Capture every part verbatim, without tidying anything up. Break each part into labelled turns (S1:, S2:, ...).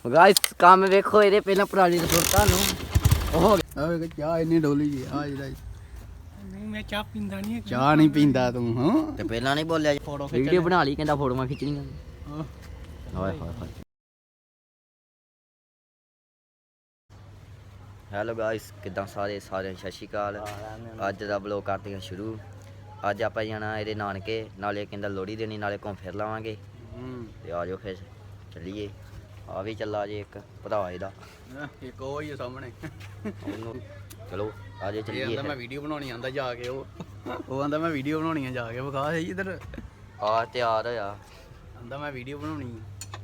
S1: Guys ਕੰਮ ਵੇਖੋ ਇਹਦੇ ਪਹਿਲਾਂ ਪੁਰਾਣੀ ਰਿਪੋਰਟ ਤੁਹਾਨੂੰ ਉਹ ਹੋ ਗਿਆ
S2: ਓਏ ਚਾਹ ਇੰਨੀ ਡੋਲੀ ਜੀ ਆ ਜਿਹੜਾ
S3: ਨਹੀਂ ਮੈਂ ਚਾਹ ਪੀਂਦਾ ਨਹੀਂ
S2: ਚਾਹ ਨਹੀਂ ਪੀਂਦਾ ਤੂੰ ਹਾਂ
S1: ਤੇ ਪਹਿਲਾਂ ਨਹੀਂ ਬੋਲਿਆ
S2: ਫੋਟੋ
S1: ਵੀਡੀਓ ਬਣਾ ਲਈ ਕਹਿੰਦਾ ਫੋਟੋਆਂ ਖਿੱਚਣੀਆਂ
S2: ਹਾਂ
S1: ਓਏ ਹੋਏ ਹੋਏ ਹੈਲੋ ਗਾਇਸ ਕਿੱਦਾਂ ਸਾਰੇ ਸਾਰੇ ਸਤਿ ਸ਼੍ਰੀ ਅਕਾਲ ਅੱਜ ਦਾ ਵਲੌਗ ਕਰਦੇ ਹਾਂ ਸ਼ੁਰੂ ਅੱਜ ਆਪਾਂ ਜਾਣਾ ਇਹਦੇ ਨਾਨਕੇ ਨਾਲੇ ਕਹਿੰਦਾ ਲੋਹੜੀ ਦੇਣੀ ਨਾਲੇ ਘੁੰਮ ਫਿਰ ਲਾਵਾਂਗੇ ਤੇ ਆ ਜਾਓ ਫਿਰ ਚੱਲੀਏ ਆ ਵੀ ਚੱਲਾ ਜੇ ਇੱਕ ਭਰਾ ਇਹਦਾ
S2: ਇੱਕ ਉਹ ਹੀ ਸਾਹਮਣੇ
S1: ਉਹਨੂੰ ਚਲੋ ਆ ਜੇ
S2: ਇਹ
S1: ਚੱਲੀਏ
S2: ਆਂਦਾ ਮੈਂ ਵੀਡੀਓ ਬਣਾਉਣੀ ਆਂਦਾ ਜਾ ਕੇ ਉਹ ਉਹ ਆਂਦਾ ਮੈਂ ਵੀਡੀਓ ਬਣਾਉਣੀ ਆ ਜਾ ਕੇ ਵਿਖਾ ਸਹੀ ਇਧਰ
S1: ਆ ਤਿਆਰ ਹੋਇਆ
S2: ਆਂਦਾ ਮੈਂ ਵੀਡੀਓ ਬਣਾਉਣੀ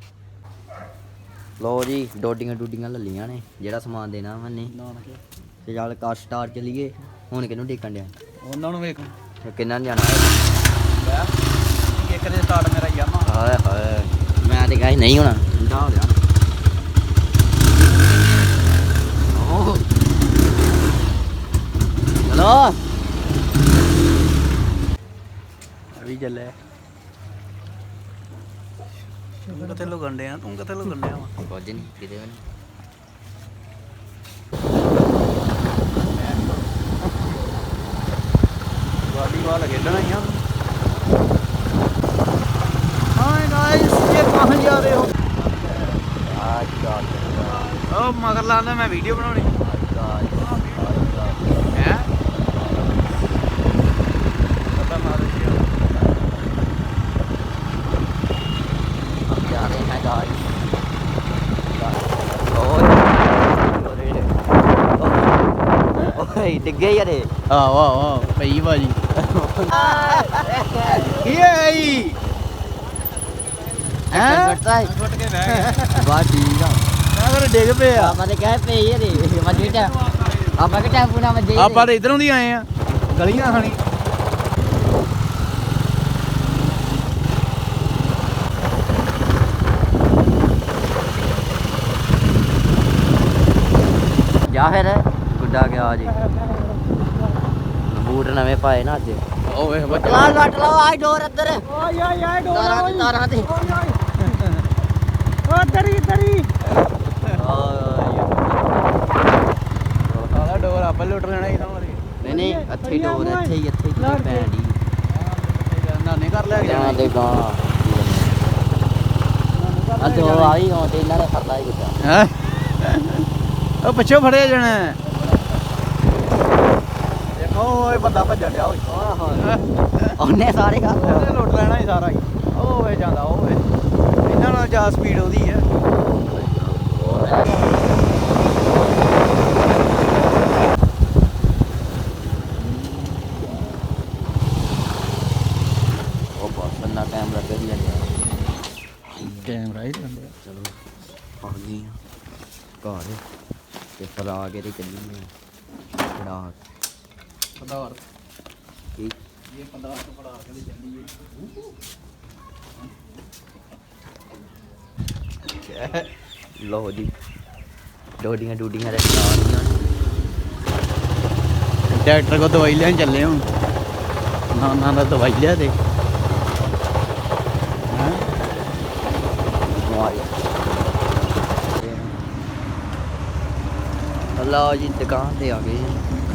S1: ਲੋ ਜੀ ਡੋਡੀਆਂ ਡੂਡੀਆਂ ਲੱਲੀਆਂ ਨੇ ਜਿਹੜਾ ਸਮਾਨ ਦੇਣਾ ਮੰਨੇ
S2: ਨਾਨਕੇ
S1: ਤੇ ਚੱਲ ਕਾਰ ਸਟਾਰ ਚੱਲੀਏ ਹੁਣ ਕਿਹਨੂੰ ਡੇਕਣ ਡਿਆ
S2: ਉਹਨਾਂ ਨੂੰ ਵੇਖ
S1: ਤੇ ਕਿੰਨਾ ਜਾਣਾ
S2: ਲੈ ਇੱਕ ਦੇ ਸਟਾਰਟ ਮੇਰਾ ਯਾਮਾ
S1: ਹਾਏ ਹਾਏ ਮੈਂ ਤੇ ਕਹਾਂ ਨਹੀਂ ਹੋਣਾ ਠੰਡਾ ਹੋ ਗਿਆ ਓ ਚਲੋ
S2: ਅਭੀ ਚੱਲੇ ਤੂੰ ਕਿੱਥੇ ਲੁਕਣ ਡਿਆ ਤੂੰ ਕਿੱਥੇ ਲੁਕਣ ਡਿਆ ਵਾ
S1: ਕੁਝ ਨਹੀਂ ਕਿਤੇ ਵੀ ਨਹੀਂ
S2: ਗਾਡੀ ਵਾਲਾ ਖੇਡਣਾ ਹੀ ਆ हाय गाइस ये कहां जा रहे हो
S1: आज का
S2: ओ मगर लाना मैं वीडियो बनानी है पता मार दिया
S1: अब जा रहे हैं गाइस ओए डिगे यार
S2: हां वाह वाह भई बाजी ये आई
S1: हैं घटता है
S2: छुट के बह
S1: बात ठीक है
S2: मैं कर डिग पे आ
S1: ਆਪਾਂ ਤੇ ਕਹੇ ਪਈ ਇਹਦੇ ਮੱਜੀ ਟਾ ਆਪਾਂ ਕਿ ਟੈਂਪੂ ਨਾਲ ਮੱਜੀ
S2: ਆਪਾਂ ਤਾਂ ਇਧਰੋਂ ਦੀ ਆਏ ਆ ਗਲੀਆਂ ਖਾਣੀ
S1: ਜਾ ਫਿਰ ਗੁੱਡਾ ਗਿਆ ਜੀ ਬੂਟ ਨਵੇਂ ਪਾਏ ਨਾ ਅੱਜ
S2: ਓਏ
S1: ਲਾ ਲੱਟ ਲਾ ਆਈ ਡੋਰ ਅੰਦਰ
S3: ਓਏ ਓਏ ਓਏ ਡੋਰ
S1: ਤਾਰਾਂ ਤੇ ਤਾਰਾਂ ਤੇ
S3: ਓ ਦਰੀ ਦਰੀ
S2: ਸਾਲਾ ਡੋਰ ਆਪਾਂ ਲੁੱਟ ਲੈਣਾ ਇਹਨਾਂ ਵਾਲੀ
S1: ਨਹੀਂ ਨਹੀਂ ਇੱਥੇ ਹੀ ਡੋਰ ਇੱਥੇ ਹੀ ਇੱਥੇ ਹੀ ਭੈਣ ਦੀ
S2: ਨਾਨੇ ਘਰ ਲੈ ਕੇ
S1: ਜਾਂ
S2: ਜਾਣਾ
S1: ਦੇ ਗਾਂ ਆ ਦੋ ਆਈ ਹੋ ਤੇ ਇਹਨਾਂ ਨੇ ਫੜਨਾ ਹੀ ਗੁੱਡਾ
S2: ਹੈ ਉਹ ਪਿੱਛੇ ਫੜਿਆ ਜਾਣਾ ਦੇਖੋ ਓਏ ਬੰਦਾ ਭੱਜਣ ਡਿਆ ਓਏ
S1: ਉਹਨੇ ਸਾਰੇ ਕਰ
S2: ਉਹਨੇ ਲੁੱਟ ਲੈਣਾ ਹੀ ਸਾਰਾ ਹੀ ਉਹ ਵੇ ਜਾਂਦਾ ਉਹ ਵੇ ਇਹਨਾਂ ਨਾਲ ਜ਼ਿਆਦਾ ਸਪੀਡ ਉਹਦੀ ਹੈ
S1: ਉਹ ਬਹੁਤ ਬੰਦਾ ਟਾਈਮ ਲੱਗ ਗਿਆ
S2: ਕੈਮਰਾ ਹੀ ਲੰਬਿਆ
S1: ਚਲੋ ਆ ਗਏ ਆ ਘਰ ਤੇ ਫਿਰ ਆ ਕੇ ਤੇ ਚੱਲੀ ਫੜਾ
S2: ਪਦਾਰ
S1: ਕੀ
S2: ਇਹ ਪਦਾਰ ਤੋਂ ਫੜਾ ਕੇ ਤੇ ਚੱਲੀਏ
S1: ਲੋ ਜੀ ਡੋਡੀਆਂ ਡੂਡੀਆਂ ਦੇ ਖਿਲਾੜੀਆਂ
S2: ਡਾਕਟਰ ਕੋ ਦਵਾਈ ਲੈਣ ਚੱਲੇ ਹਾਂ ਨਾ ਨਾ ਨਾ ਦਵਾਈ ਲਿਆ ਦੇ ਹਾਂ
S1: ਬਿਮਾਰੀ ਅੱਲਾ ਜੀ ਦੁਕਾਨ ਤੇ ਆ ਗਏ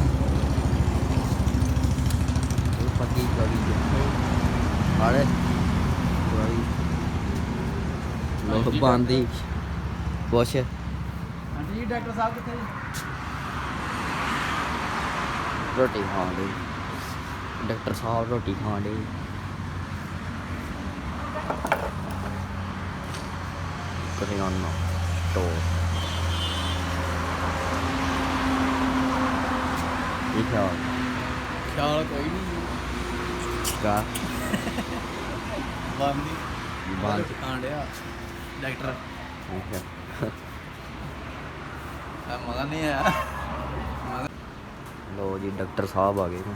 S1: ਉਹ ਪੱਕੀ ਗੜੀ ਜਿੱਥੇ ਆਰੇ ਗੜੀ ਲੋਕ ਬੰਦੀ ਕੁਛ
S2: ਆਂਟੀ ਜੀ ਡਾਕਟਰ ਸਾਹਿਬ ਕਿੱਥੇ
S1: ਰੋਟੀ ਖਾਣ ਦੇ ਡਾਕਟਰ ਸਾਹਿਬ ਰੋਟੀ ਖਾਣ ਦੇ ਕਰਿਆਨਾ ਸਟੋਰ ਇਹ ਖਿਆਲ
S2: ਖਿਆਲ ਕੋਈ ਨਹੀਂ
S1: ਕਾ
S2: ਬੰਦੀ
S1: ਬੰਦ
S2: ਖਾਣ ਡਿਆ ਡਾਕਟਰ
S1: ਠੀਕ ਹੈ
S2: ਆ ਮਗਾ ਨਹੀਂ ਆ
S1: ਲੋ ਜੀ ਡਾਕਟਰ ਸਾਹਿਬ ਆ ਗਏ ਨੇ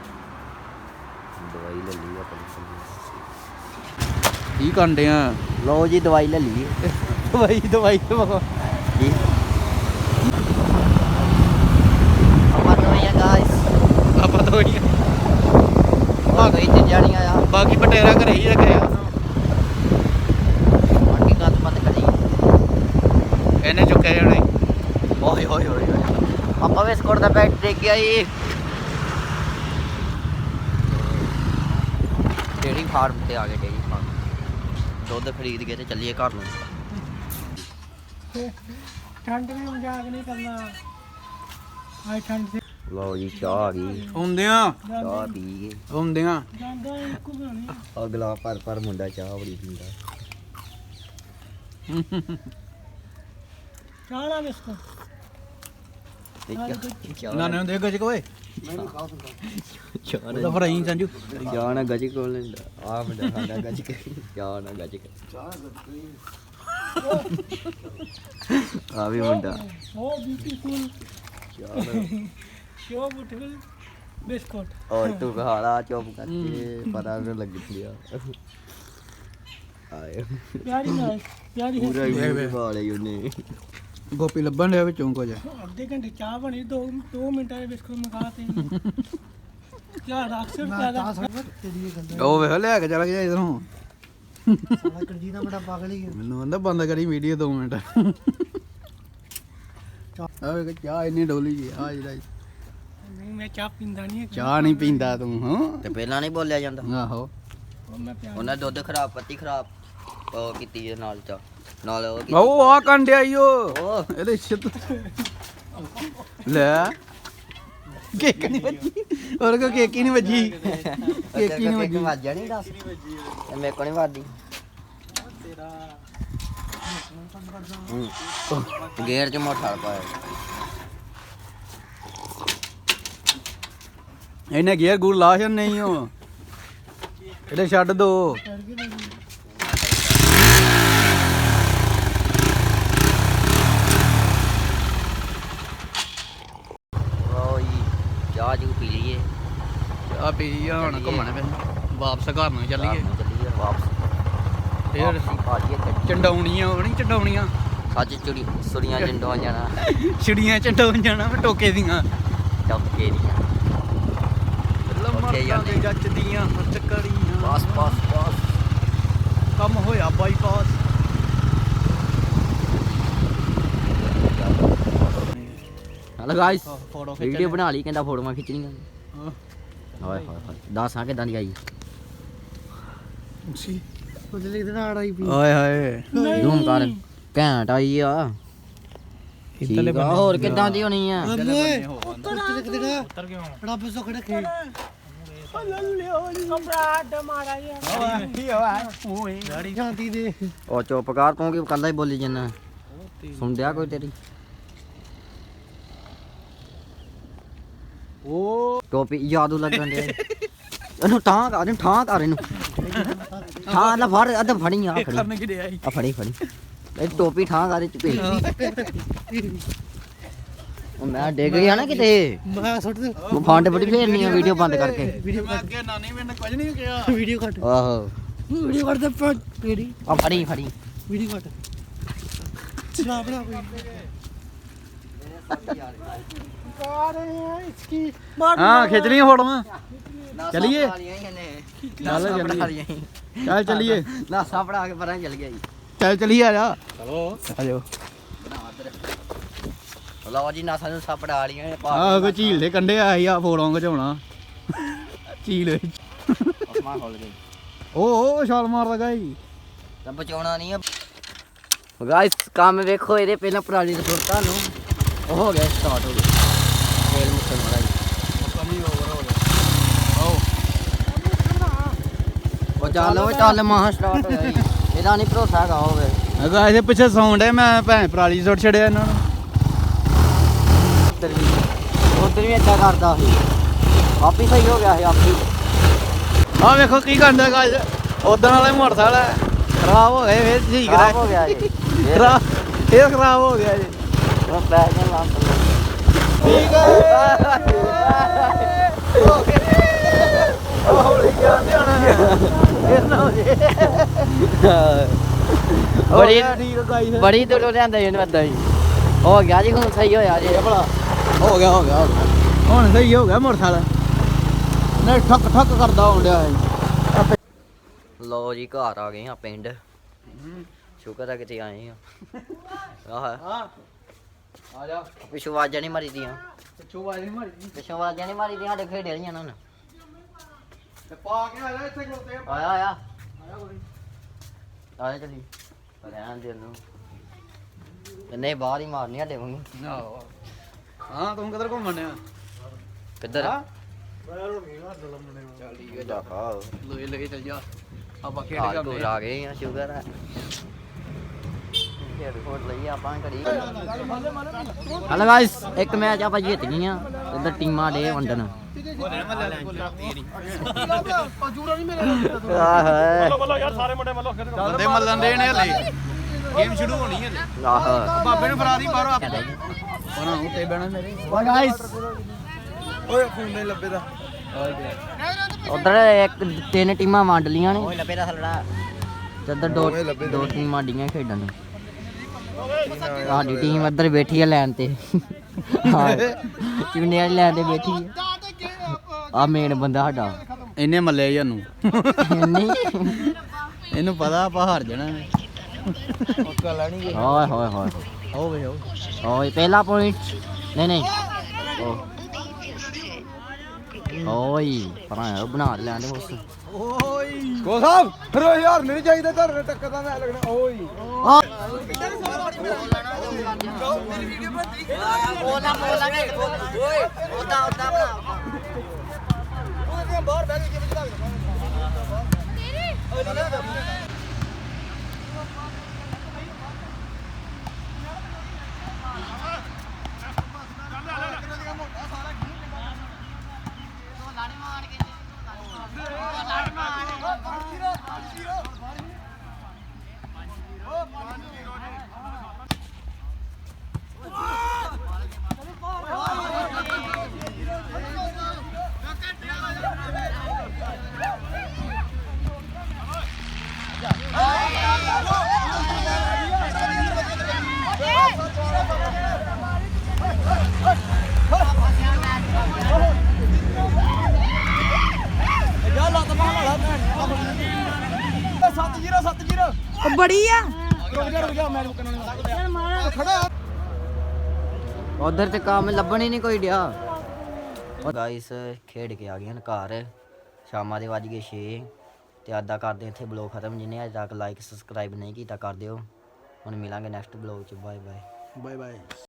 S1: ਦਵਾਈ ਲੈ ਲਈ ਆਪਣੀ
S2: ਕੀ ਕਰਨ ਡਿਆ
S1: ਲੋ ਜੀ ਦਵਾਈ ਲੈ ਲਈ
S2: ਦਵਾਈ ਦਵਾਈ ਦਵਾ
S1: ਜੀ ਆਪਾਂ ਦਵਾਈਆਂ ਗਾਇਸ
S2: ਆਪਾਂ ਤਾਂ ਹੋਈ
S1: ਆ ਗਈ ਤੇ ਜਾਣੀਆਂ ਆ
S2: ਬਾਕੀ ਪਟੇਰਾ ਘਰੇ ਹੀ ਰੱਖਿਆ
S1: ਬਾਕੀ ਗੱਤ ਪਤ ਕਰੀ
S2: ਇਹਨੇ ਚੁੱਕੇ ਜਾਣੇ।
S1: ਓਏ ਹੋਏ ਹੋਏ ਆਪਾਂ ਬਿਸਕੁਟ ਦਾ ਪੈਕਟ ਦੇ ਕੇ ਆਈ ਡੇਰੀ ਫਾਰਮ ਤੇ ਆ ਗਏ ਡੇਰੀ ਫਾਰਮ ਦੁੱਧ ਖਰੀਦ ਕੇ ਤੇ ਚੱਲੀਏ ਘਰ ਨੂੰ
S3: ਠੰਡ में मजाक नहीं करना आज ठंड से
S1: ਲਓ ਜੀ ਚਾਹ ਆ ਗਈ
S2: ਹੁੰਦਿਆਂ
S1: ਚਾਹ ਪੀ ਗਏ
S2: ਹੁੰਦਿਆਂ
S3: जांदा इको बनानी
S1: ਅਗਲਾ ਪਰ ਪਰ ਮੁੰਡਾ ਚਾਹ ਬੜੀ ਪੀਂਦਾ
S3: चाला बिस्को
S2: ਨਾ ਨਾ ਦੇ ਗੱਜ ਕੋਏ
S1: ਚਾਹ
S2: ਉਹਦਾ ਫਿਰ ਆਈ ਸੰਜੂ
S1: ਚਾਹ ਨਾ ਗੱਜ ਕੋਲ ਲੈਂਦਾ ਆ ਮੁੰਡਾ ਸਾਡਾ ਗੱਜ ਕੇ ਚਾਹ ਨਾ ਗੱਜ ਕੇ ਆ ਵੀ ਮੁੰਡਾ
S3: ओ ब्यूटीफुल
S1: ਚਾਹ
S3: शो ब्यूटीफुल बिस्कुट
S1: ਔਰ ਤੂੰ ਕਹਾਲਾ ਚੁੱਪ ਕਰਕੇ ਪਤਾ ਨਹੀਂ ਲੱਗ ਗਿਆ ਆਏ
S3: प्यारी ना प्यारी है
S1: ਪੂਰਾ ਹੀ ਖਾ ਲਈ ਉਹਨੇ
S2: ਗੋਪੀ ਲੱਭਣ ਡਿਆ ਵਿੱਚੋਂ ਕੁਝ
S3: आधे घंटे चाह बनी दो दो मिनट में बिस्कुट मंगाते हैं क्या राक्षस ज्यादा
S2: ਉਹ ਵੇਖ ਲਿਆ ਕੇ ਚਲਾ ਗਿਆ ਇਧਰੋਂ
S3: साला करजी ना बड़ा पागल ही है
S2: ਮੈਨੂੰ ਕਹਿੰਦਾ ਬੰਦ ਕਰੀ ਵੀਡੀਓ ਦੋ ਮਿੰਟ ਆ ਵੇਖ ਚਾਹ ਇੰਨੀ ਡੋਲੀ ਜੀ ਆ ਜਿਹੜਾ
S3: नहीं मैं चाह पींदा नहीं है
S2: ਚਾਹ ਨਹੀਂ ਪੀਂਦਾ ਤੂੰ ਹਾਂ
S1: ਤੇ ਪਹਿਲਾਂ ਨਹੀਂ ਬੋਲਿਆ ਜਾਂਦਾ
S2: ਆਹੋ
S3: और मैं प्यार
S1: ਉਹਨਾਂ ਦੁੱਧ ਖਰਾਬ ਪੱਤੀ ਖਰਾਬ ਉਹ ਕੀਤੀ ਇਹਦੇ ਨਾਲ ਚਾ ਨਾਲ ਉਹ ਕੀਤੀ।
S2: ਉਹ ਆ ਕੰਡਿਆ ਈ ਉਹ
S1: ਉਹ
S2: ਇਹਦੇ ਛਿੱਤ ਲੈ ਕੇਕ ਨਹੀਂ ਵੱਜੀ ਹੋਰ ਕੋ ਕੇਕ ਹੀ ਨਹੀਂ ਵੱਜੀ ਕੇਕ ਹੀ ਨਹੀਂ ਵੱਜੀ
S1: ਵੱਜ ਜਾਣੀ ਦੱਸ ਇਹ ਮੇਰੇ ਕੋਲ ਨਹੀਂ ਵੱਜਦੀ ਹੂੰ। ਗੇਅਰ ਚ ਮੋਟਰ ਪਾਇਆ
S2: ਇਹਨੇ ਗੇਅਰ ਗੂਰ ਲਾ ਛੱਡ ਨਹੀਂ ਉਹ ਇਹਦੇ ਛੱਡ ਦੋ
S1: ਉਹ ਜੀ ਚਾਹ ਜੂ ਪੀ ਲਈਏ
S2: ਆ ਪੀ ਆ ਹੁਣ ਘੁੰਮਣ ਫਿਰ ਵਾਪਸ ਘਰ ਨੂੰ ਚੱਲੀਏ
S1: ਘਰ ਨੂੰ ਚੱਲੀਏ ਵਾਪਸ
S2: ਫੇਰ
S1: ਵਾਪਸੀ ਭਾਜੀਏ ਗੱਡੀ
S2: ਚੰਡਾਉਣੀਆਂ ਉਹ ਨਹੀਂ ਚੰਡਾਉਣੀਆਂ
S1: ਸੱਚ ਚੁੜੀ ਸੁਰੀਆਂ ਜੰਡੋਂ ਜਾਣਾ
S2: ਛਿੜੀਆਂ ਚੰਡਾਉਣ ਜਾਣਾ ਮੈਂ ਟੋਕੇ ਦੀਆਂ
S1: ਟੱਕੇ ਦੀਆਂ
S2: ਲੰਮਰ
S1: ਜਾਂਦੇ।
S2: ਦੇ ਜੱਜ ਦੀਆਂ ਚੱਕੜੀਆਂ
S1: ਬਸ ਬਸ ਬਸ
S2: ਕੰਮ ਹੋਇਆ bypass
S1: hello guys
S2: photo
S1: video ਬਣਾ ਲਈ ਕਹਿੰਦਾ ਫੋਟੋਆਂ ਖਿੱਚਣੀਆਂ ਹਾਏ ਹਾਏ ਹਾਏ ਦੱਸ ਆ ਕਿਦਾਂ ਦੀ ਆਈ
S3: कुछ लिख देना आड़ा ही पी
S2: ਓਏ ਹਾਏ
S1: ਜ਼ੂਮ ਕਰ ਘੈਂਟ ਆਈ ਆ
S2: ਇੱਧਰਲੇ
S1: ਠੀਕ ਆ ਹੋਰ ਕਿਦਾਂ ਦੀ ਹੋਣੀ ਆ
S3: उत्तर लिख देना उत्तर क्यों बड़ा बसो खड़ा खे कपड़ा मारा ये गाड़ी शांति दे
S1: ਉਹ ਚੁੱਪ ਕਰ ਤੂੰ ਕੀ ਕੱਲਾ ਹੀ ਬੋਲੀ ਜੰਨਾ ਸੁਣਦਿਆ ਕੋਈ ਤੇਰੀ
S2: ਉਹ
S1: ਟੋਪੀ ਯਾਦੂ ਲੱਗਣ ਦੇ ਇਹਨੂੰ ਠਾਂ ਕਰ ਇਹਨੂੰ ਠਾਂ ਕਰ ਇਹਨੂੰ ਠਾਂ ਲੈ ਫੜ ਅੱਧ ਫੜੀ ਆ ਫੜੀ
S2: ਕਰਨ ਕਿ ਰਿਹਾ
S1: ਆ ਫੜੀ ਫੜੀ ਇਹ ਟੋਪੀ ਠਾਂ ਕਰ ਚ ਪੇ ਉਹ ਮੈਂ ਡਿੱਗ ਗਿਆ ਨਾ ਕਿਤੇ
S3: मैं छोड़ दे
S1: ਉਹ ਫੰਡ ਬੜੀ ਫੇਰਨੀ ਆ ਵੀਡੀਓ ਬੰਦ ਕਰਕੇ
S3: वीडियो
S2: ਮੈਂ ਅੱਗੇ ਨਾਨੀ ਮੈਨੇ ਕੁਝ ਨਹੀਂ ਕਿਹਾ
S3: वीडियो कट
S1: ਆਹੋ
S3: वीडियो कट दे तेरी
S1: ਆ ਫੜੀ ਫੜੀ
S3: वीडियो कट चला बड़ा कोई इसकी
S2: ਹਾਂ ਖਿੱਚ ਲਈਆਂ ਫੋਟੋਆਂ ਚੱਲੀਏ?
S1: ਚੱਲ
S2: ਚੱਲੀਏ। ਚੱਲ ਚੱਲੀਏ
S1: ਨਾਸਾ ਪੜਾ ਕੇ ਪਰਾਂ ਚੱਲ ਗਿਆ ਜੀ
S2: ਚੱਲ ਚੱਲੀਏ ਆ ਜਾ ਚਲੋ ਆ ਜਾਓ
S1: ਲਓ ਜੀ ਨਾਸਾ ਨੂੰ ਸਪੜਾ ਲੀਆਂ ਨੇ
S2: ਆਹ ਕੋ ਝੀਲ ਦੇ ਕੰਢੇ ਆਈ ਆ ਫੋਟੋਆਂ ਖਿਚਾਉਣਾ ਝੀਲ ਵਿੱਚ
S1: ਅਸਮਾਨ ਖੁੱਲ ਗਈ
S2: ਉਹ ਉਹ ਛਾਲ ਮਾਰਦਾ ਗਾਈ
S1: ਤਾਂ ਬਚਾਉਣਾ ਨਹੀਂ ਆ ਗਾਇਸ ਕੰਮ ਵੇਖੋ ਇਹਦੇ ਪਹਿਲਾਂ ਪਰਾਲੀ ਦੇ ਸੁੱਟਾਂ ਨੂੰ ਉਹ ਹੋ ਗਿਆ ਸਟਾਰਟ ਹੋ ਗਿਆ ਤੇਲ ਮੁੱਕਣ ਵਾਲਾ ਜੀ
S2: ਕਮੀ ਓਵਰ ਹੋ ਗਿਆ ਆਓ
S1: ਉਹ ਚੱਲ ਉਹ ਚੱਲ ਮਾਹ ਸਟਾਰਟ ਹੋਇਆ ਜੀ ਇਹਦਾ ਨਹੀਂ ਭਰੋਸਾ ਹੈਗਾ ਹੋਵੇ
S2: ਮੈਂ ਕਿਹਾ ਇਹਦੇ ਪਿੱਛੇ ਸੌਂਡ ਹੈ ਮੈਂ ਭੈਣ ਪਰਾਲੀ ਸੁੱਟ ਛੜਿਆ ਇਹਨਾਂ ਨੂੰ
S1: ਉੱਧਰ ਵੀ ਉੱਧਰ ਵੀ ਏਦਾਂ ਕਰਦਾ ਸੀ ਆਪੀ ਸਹੀ ਹੋ ਗਿਆ ਸੀ ਆਪੀ
S2: ਆ ਵੇਖੋ ਕੀ ਕਰਦਾ ਗਾਇਸ ਉਦੋਂ ਵਾਲੇ ਮੋਟਰਸਾਈਕਲ ਹੈ ਖਰਾਬ ਹੋ ਗਏ ਫੇਰ ਠੀਕ
S1: ਖਰਾਬ ਹੋ
S2: ਕਰਾ
S1: ਗਿਆ ਜੀ
S2: ਖਰਾਬ ਫੇਰ ਖਰਾਬ ਹੋ ਗਿਆ ਜੀ
S1: ਉਹ ਪੈ ਗਿਆ ਲਾਂ
S2: ਠੀਕ
S1: ਬੜੀ
S2: ਠੀਕ ਗਾਇਸ
S1: ਬੜੀ ਦੂਰੋਂ ਲਿਆਂਦਾ ਜੀ ਏਦਾਂ ਹੀ ਹੋ ਗਿਆ ਜੀ ਹੁਣ ਸਹੀ ਹੋਇਆ ਜੀ
S2: ਭਲਾ ਹੋ ਗਿਆ ਹੋ ਗਿਆ ਹੋ ਗਿਆ। ਹੁਣ ਸਹੀ ਹੋ ਗਿਆ ਮੋਟਰਸਾਈਕਲ ਨਹੀਂ ਠੱਕ ਠੱਕ ਕਰਦਾ ਹੋਣ ਡਿਆ ਹੈ
S1: ਲਓ ਜੀ ਘਰ ਆ ਗਏ ਆ ਪਿੰਡ ਸ਼ੁਕਰ ਆ ਕਿਤੇ ਆਏ ਆ ਆਹ
S2: ਹਾਂ ਆ ਜਾ
S1: ਪਿੱਛੋਂ ਆਵਾਜ਼ਾਂ ਨਹੀਂ ਮਾਰੀਦੀਆਂ
S2: ਪਿੱਛੋਂ ਆਵਾਜ਼ ਨਹੀਂ ਮਾਰੀ
S1: ਪਿੱਛੋਂ ਆਵਾਜ਼ਾਂ ਨਹੀਂ ਮਾਰੀਦੀਆਂ ਸਾਡੇ ਖੇਡੇ ਵਾਲੀਆਂ ਨਾ
S2: ਤੇ ਪਾ ਕੇ ਆ ਜਾ ਇੱਥੇ ਖਲੋਤੇ ਆ
S1: ਆਇਆ ਆਇਆ
S2: ਆਇਆ ਕੋਈ
S1: ਆਇਆ ਚਲੀ ਰਹਿਣ ਦੇ ਨੂੰ ਨਹੀਂ ਬਾਹਰ ਹੀ ਮਾਰਨੀ ਸਾਡੇ ਵਾਂਗੂ
S2: ਆਹੋ ਹਾਂ ਤੂੰ ਕਿੱਧਰ ਘੁੰਮਣ ਆ
S1: ਕਿੱਧਰ
S2: ਹਾਂ
S3: ਪੈਰ ਹੋ ਗਏ ਹੱਥ ਲੰਮਣੇ
S2: ਚੱਲ ਠੀਕ ਹੈ
S1: ਜਾ ਆ
S2: ਲੋਏ ਲਗੇ ਚੱਲ ਜਾ ਆਪਾਂ ਖੇਡ
S1: ਹਾਲ
S2: ਕਰਦੇ
S1: ਕੋਲ ਆ ਗਏ ਆ ਸ਼ੁਕਰ ਹੈ ਖੇਡ ਖੋਟ ਲਈ ਆਪਾਂ ਘੜੀ ਹਲੋ ਗਾਇਸ ਇੱਕ ਮੈਚ ਆਪਾਂ ਜਿੱਤ ਗਈਆਂ ਇੱਧਰ ਟੀਮਾਂ ਡੇ ਵੰਡਣ
S3: ਜੂੜਾ ਨਹੀਂ ਮੇਰੇ
S1: ਆਹ
S3: ਮੱਲੋ ਯਾਰ ਸਾਰੇ ਮੁੰਡੇ ਮੱਲੋ ਖੇਡ
S2: ਬੰਦੇ ਮੱਲਣ ਦੇ ਨੇ ਹਲੇ ਗੇਮ ਸ਼ੁਰੂ ਹੋਣੀ ਹੈ
S1: ਆਹ
S2: ਬਾਬੇ ਨੂੰ ਫੜਾ ਦੀ ਬਾਹਰੋਂ ਉਹਨਾਂ ਉੱਤੇ ਬਹਿਣਾ ਮੇਰੇ
S1: ਓ ਗਾਇਸ
S2: ਓਏ ਖੂਨ ਨਹੀਂ ਲੱਭੇ ਦਾ
S1: ਉਧਰ ਇੱਕ ਤਿੰਨ ਟੀਮਾਂ ਵੰਡ ਲੀਆਂ ਨੇ ਓਏ ਲੱਭੇ ਦਾ ਹਲੜਾ ਤੇ ਇੱਧਰ ਦੋ ਦੋ ਟੀਮਾਂ ਡੀਆਂ ਖੇਡਣ ਨੂੰ ਸਾਡੀ ਟੀਮ ਇੱਧਰ ਬੈਠੀ ਹੈ ਲਾਈਨ ਤੇ ਚੁੰਨੇ ਵਾਲੀ ਲਾਈਨ ਤੇ ਬੈਠੀ ਹੈ ਆ ਮੇਨ ਬੰਦਾ ਸਾਡਾ
S2: ਇਹਨੇ ਮੱਲੇ ਜਾਨੂੰ
S1: ਨਹੀਂ
S2: ਇਹਨੂੰ ਪਤਾ ਆਪਾਂ ਹਾਰ ਜਾਣਾ ਨੇ ਪੱਕਾ ਲੈਣੀ
S1: ਓਏ ਹੋਏ ਹੋਏ
S2: ਆਓ ਵੇ ਆਓ
S1: ਓਏ ਪਹਿਲਾ ਪੁਆਇੰਟ ਨਹੀਂ ਨਹੀਂ ਓ ਓਏ ਪਰਾਂ ਬਣਾ ਲੈਣ ਦੇ ਉਸ
S2: ਓਏ ਗੋ ਸਾਹਿਬ ਫਿਰ ਯਾਰ ਨਹੀਂ ਚਾਹੀਦਾ ਘਰ ਟੱਕਰ ਦਾ ਮੈਂ ਲੱਗਣਾ ਓਏ
S1: ਬੋਲਾ ਬੋਲਾ ਨਹੀਂ ਓਏ ਉਦਾਂ ਉਦਾਂ ਬਣਾ
S2: ਉਹਦੇ ਬਾਹਰ ਬੈਠ ਕੇ ਵਿੱਚ ਲੱਗਦਾ
S4: ਬੜੀ ਆ
S1: ਉਧਰ ਤੇ ਕੰਮ ਲੱਭਣ ਹੀ ਨਹੀਂ ਕੋਈ ਡਿਆ ਗਾਇਸ ਖੇਡ ਕੇ ਆ ਗਏ ਹਨ ਘਰ ਸ਼ਾਮਾਂ ਦੇ ਵੱਜ ਗਏ ਛੇ ਤੇ ਅੱਜ ਦਾ ਕਰਦੇ ਇੱਥੇ ਬਲੌਗ ਖਤਮ ਜਿਹਨੇ ਅਜੇ ਤੱਕ ਲਾਈਕ ਸਬਸਕ੍ਰਾਈਬ ਨਹੀਂ ਕੀਤਾ ਕਰ ਦਿਓ ਹੁਣ ਮਿਲਾਂਗੇ ਨੈਕਸਟ ਬਲੌਗ ਚ ਬਾਏ ਬਾਏ
S2: ਬਾਏ ਬਾਏ